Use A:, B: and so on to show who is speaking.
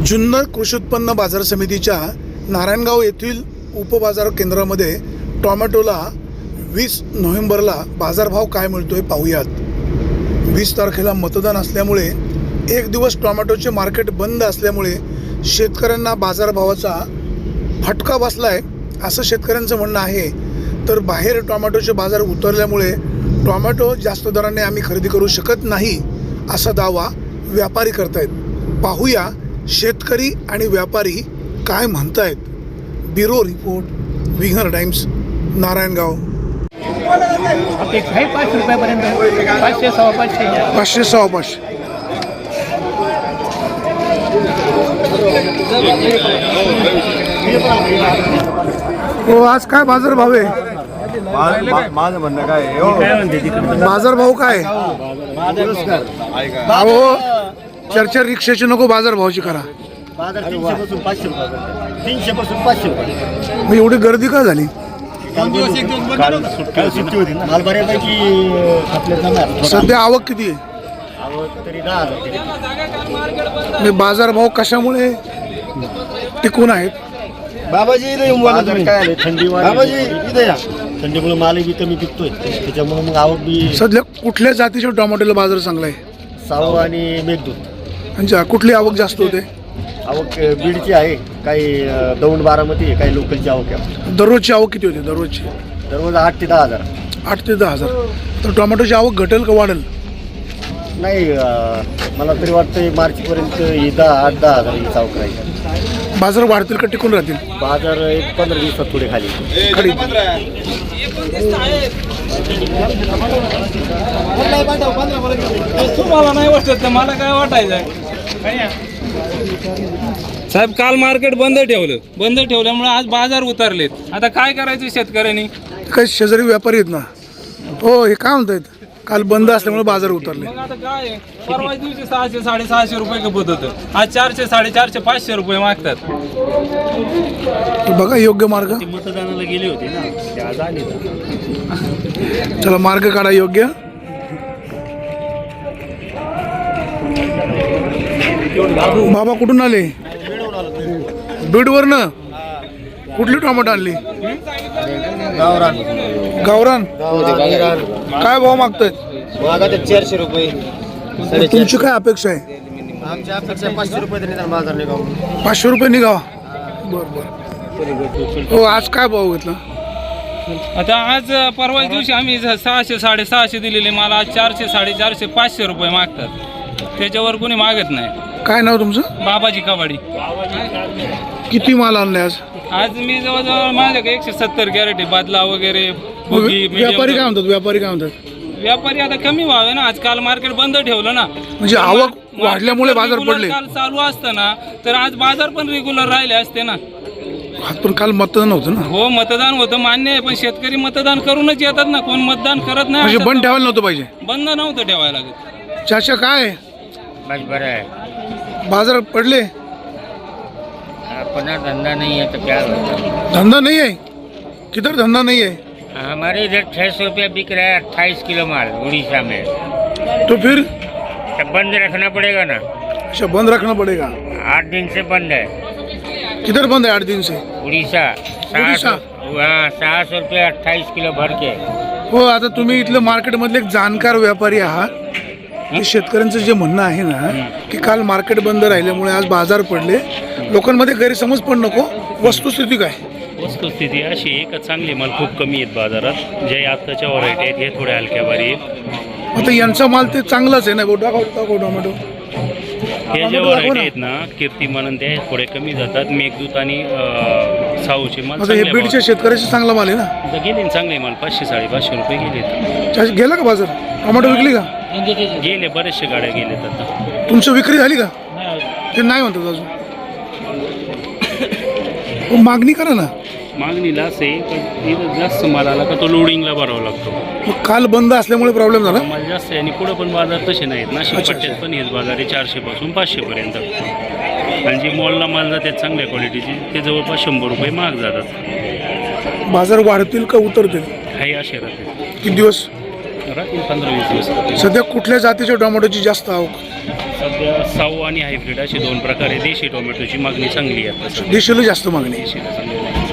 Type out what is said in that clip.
A: जुन्नर कृषी उत्पन्न बाजार समितीच्या नारायणगाव येथील उपबाजार केंद्रामध्ये टोमॅटोला 20 नोव्हेंबरला बाजारभाव काय मिळतोय पाहूयात। 20 तारखेला मतदान असल्यामुळे एक दिवस टोमॅटोचे मार्केट बंद असल्यामुळे शेतकऱ्यांना बाजारभावाचा फटका बसलाय असं शेतकऱ्यांचं म्हणणं आहे। तर बाहेर टोमॅटोचे बाजार उतरल्यामुळे टोमॅटो जास्त दराने आम्ही खरेदी करू शकत नाही असा दावा व्यापारी करतायत। पाहूया शेतकरी आणि व्यापारी काय म्हणतायत। ब्युरो रिपोर्ट, विंगर टाइम्स, नारायणगाव।
B: अपेक्षा आहे 5 रुपयापर्यंत, 500 550
A: 500 550। हो, आज काय बाजार भाव आहे?
C: माझं म्हणणं काय आहे, हो
A: बाजार भाव काय? अहो, चर्चा रिक्षाची नको, बाजार भावाची करा।
C: बाजार 300 पासून 500 रुपये, 300 पासून 500 रुपये।
A: मग एवढी गर्दी का झाली?
C: काल सुट्टी होती ना, माल बऱ्यापैकी आपल्या जाणार।
A: सध्या आवक किती आहे?
C: आवक तरी 10,000
A: म्हणजे बाजार भाव कशामुळे टिकून आहेत?
C: बाबाजी इथे येऊन बोला तुम्ही। काय आले थंडी बाबाजी इथे या, थंडीमुळे माल बी कमी पिकतोय, त्याच्यामुळे मग आवक बी।
A: सध्या कुठल्या जातीच्या टोमॅटोला बाजार चांगला आहे?
C: सावू आणि मेघदूत।
A: म्हणजे कुठली आवक जास्त होते?
C: आवक बीडची आहे, काही दौंड बारामती आहे, काही लोकलची आवक आहे।
A: दररोजची आवक किती होते? दररोजची
C: दररोज 8 ते 10,000।
A: 8 ते 10,000। तर टोमॅटोची आवक घटेल का वाढेल?
C: नाही, मला तरी वाटतं मार्चपर्यंत 8-10,000 ही आवक राहील।
A: बाजार वाढतील का टिकून राहतील?
C: बाजार एक 15 दिवसात थोडे खाली
A: खाली।
B: तुम्हाला नाही वाटत तर मला काय वाटायचं साहेब? काल मार्केट बंद ठेवल्यामुळे आज बाजार उतरलेत। आता काय करायचं शेतकऱ्यांनी?
A: काही शेजारी व्यापारी आहेत ना, हो, हे काय म्हणतायत, काल बंद असल्यामुळे बाजार उतरले।
B: मग आता काय आहे? परवा दिवशी 600 650 रुपये खपत होतं, आज 400 450 500 रुपये मागतात।
A: बघा योग्य मार्ग,
C: मतदानाला गेले होते ना, ते आज आले।
A: चला मार्ग काढा योग्य। बाबा कुठून आले? बीडवरनं? कुठली टोमॅटो आणली? गावरान। काय भाव मागतायत?
C: 400 रुपये।
A: तुमची काय अपेक्षा आहे?
C: आमच्या अपेक्षा 500 रुपये तरी बाजार निघाव।
A: 500 रुपये निघावा। बरं। हो, आज काय भाव घेतला?
B: आता आज परवा दिवशी आम्ही 600 650 दिलेले, मला आज 400 450 500 रुपये मागतात, त्याच्यावर कोणी मागत नाही।
A: काय नाव तुमचं?
B: बाबाजी कबाडी।
A: किती माल आणले आज?
B: आज मी जवळजवळ माझ्याकडे 170 कॅरेट आहे, बादला वगैरे बुगी,
A: व्यापारी काय म्हणतात? व्यापारी काय म्हणतात?
B: व्यापारी आता कमी व्हावे ना, आज काल मार्केट बंद ठेवलं ना,
A: म्हणजे आवक वाढल्यामुळे बाजार पडले।
B: काल चालू असतं ना तर आज बाजार पण रेग्युलर राहिले असते ना।
A: पण काल मतदान होतं ना?
B: हो, मतदान होतं मान्य आहे, पण शेतकरी मतदान करूनच येतात ना, कोण मतदान करत नाही।
A: म्हणजे बंद ठेवायला नव्हतं पाहिजे?
B: बंद नव्हतं ठेवायला लागत।
A: चाचा काय
C: बरं आहे,
A: बाजार पडले?
C: अपना धंधा नहीं है तो क्या होगा?
A: धंधा नहीं है? किधर धंधा नहीं है?
C: हमारे इधर 600 रुपया बिक रहा है 28 किलो माल उड़ीसा में।
A: तो फिर
C: तो बंद रखना पड़ेगा ना।
A: अच्छा, बंद रखना पड़ेगा।
C: 8 दिन से बंद है
A: किधर बंद है 8 दिन से?
C: उड़ीसा।
A: उड़ीसा?
C: हाँ, 600 रुपया 28 किलो भर के।
A: हो, आता तुम्ही इथलं मार्केटमधले एक जाणकार व्यापारी आहात। हे शेतकऱ्यांचं जे म्हणणं आहे ना की काल मार्केट बंद राहिल्यामुळे आज बाजार पडले, लोकांमध्ये गैरसमज पण नको, वस्तुस्थिती काय?
D: वस्तुस्थिती अशी आहे का चांगले माल खूप कमी आहेत बाजारात, जे आत्ताच्या व्हरायटी आहेत हे थोड्या हलक्या भारी आहेत।
A: आता यांचा माल ते चांगलाच आहे ना? दाखव टोमॅटो।
D: हे जे व्हरायटी आहेत ना, कीर्तिमान ते थोडे कमी जातात, मेघदूत आणि साऊचे माल
A: आता हे बीडच्या शेतकऱ्याचा चांगला माल आहे ना?
D: आता गेले ना चांगले माल, 500 550 रुपये गेलेत।
A: चाचा, गेला का बाजार? टोमॅटो विकली का?
D: गेले, बरेचशे गाड्या गेलेत आता।
A: तुमचं विक्री झाली का? ते नाही म्हणतात अजून। हो, मागणी करा ना।
D: मागणीला असे पण इथं जास्त माल आला का तो लोडिंगला भरावा लागतो।
A: मग काल बंद असल्यामुळे प्रॉब्लेम झाला?
D: माल जास्त आहे आणि पुढं पण बाजार तसे नाहीत ना, पट्ट्यात पण हेच बाजार आहे 400 पासून 500 पर्यंत। आणि जे मॉलला माल जातात चांगल्या क्वालिटीचे ते जवळपास 100 रुपये महाग जातात।
A: बाजार वाढतील का उतरतील?
D: काही असे राहते,
A: किती दिवस
D: राहतील 15-20 दिवस।
A: सध्या कुठल्या जातीच्या टोमॅटोची जास्त आवक?
D: सध्या साऊ आणि हायब्रिड असे दोन प्रकारे देशी टोमॅटोची मागणी चांगली आहे आता सध्या.
A: देशीला जास्त मागणी आहे.
D: देशीला चांगली आहे.